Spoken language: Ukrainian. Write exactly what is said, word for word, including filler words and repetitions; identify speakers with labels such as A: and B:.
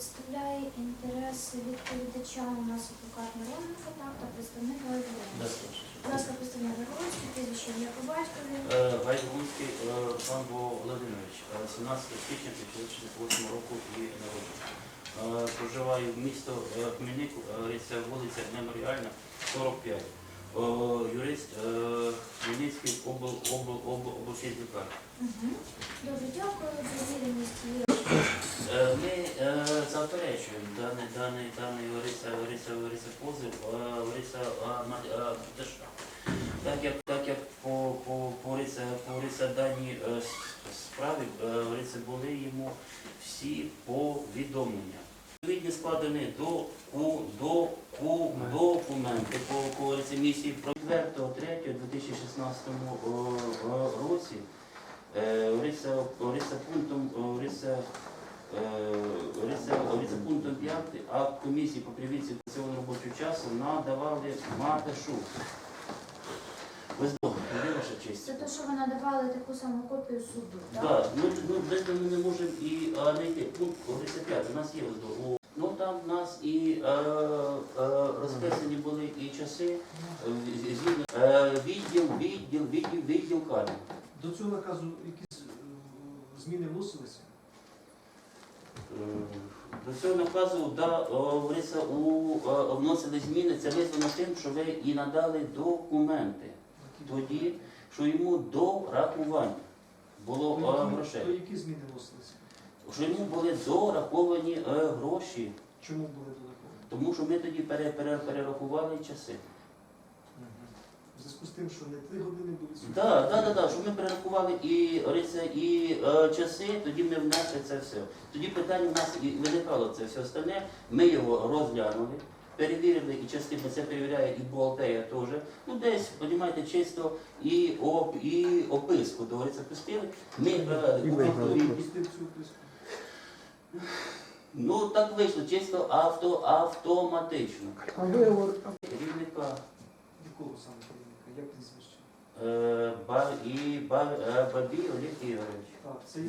A: представляє інтереси відповідача у нас адвокат Мироненко Фатак та представник Гайворонський. Будь ласка, представник Гайворонський, прізвище ім'я по батькові.
B: Гайворонський Олександр Володимирович, сімнадцятого січня дві тисячі шістдесят восьмого року і народження. Проживаю в місто Хмельник, це вулиця Меморіальна, сорок п'ять. Юрист Хмельницький обл, обл, обл, обласний лікарні.
A: Угу. Дуже дякую за відомість.
B: Ми е, заперечуємо даний даний даний Лариса Лариса Лариса позив Лариса Матешка. Так як так як по по по Лариса по Лариса даній е, справі е, Лариса були йому всі повідомлення. Відповідні складені до ку до ку документи по по Лариці місії про четвертого третього дві тисячі шістнадцятому році. Лариса Лариса пунктом Лариса Лариса пунктом п'ятим акт комісії по привідці цього робочого часу надавали Матешу. Ви здобули, ваша честь.
A: Це те, що ви надавали таку саму копію суду, так?
B: Так, ну, ну без того ми не можемо і а, знайти. Пункт Лариса п'ятий, у нас є ось. Ну там в нас і е, е, розписані були і часи, е, згідно, е, відділ, відділ, відділ, відділ кадрів.
C: До цього наказу якісь е, зміни вносилися?
B: До цього наказу да, Лариса, у, е, вносили зміни, це визвано тим, що ви і надали документи. Тоді, що йому до рахування було
C: То
B: е,
C: які,
B: грошей.
C: то які зміни вносилися?
B: Що йому були дораховані е, гроші,
C: Чому були додаткові?
B: тому що ми тоді пере, пере, перерахували часи.
C: В зв'язку з тим, що не три години були суди?
B: Так, так, так, так, що ми перерахували і, Лариса, і е, часи, тоді ми внесли це все. Тоді питання в нас і виникало це все остальне, ми його розглянули, перевірили, і частина це перевіряє і бухгалтерія теж. Ну десь, розумієте, чисто і, оп, і описку, говориться, пустили. Ми провели
C: Хто
B: відповідь.
C: пустив цю описку?
B: Ну так вийшло, чисто авто, автоматично. Керівника
C: Якого саме керівника? Як прізвище?
B: е, Ба- і Ба- е, Бабій Олег Ігорович.
C: Так, це є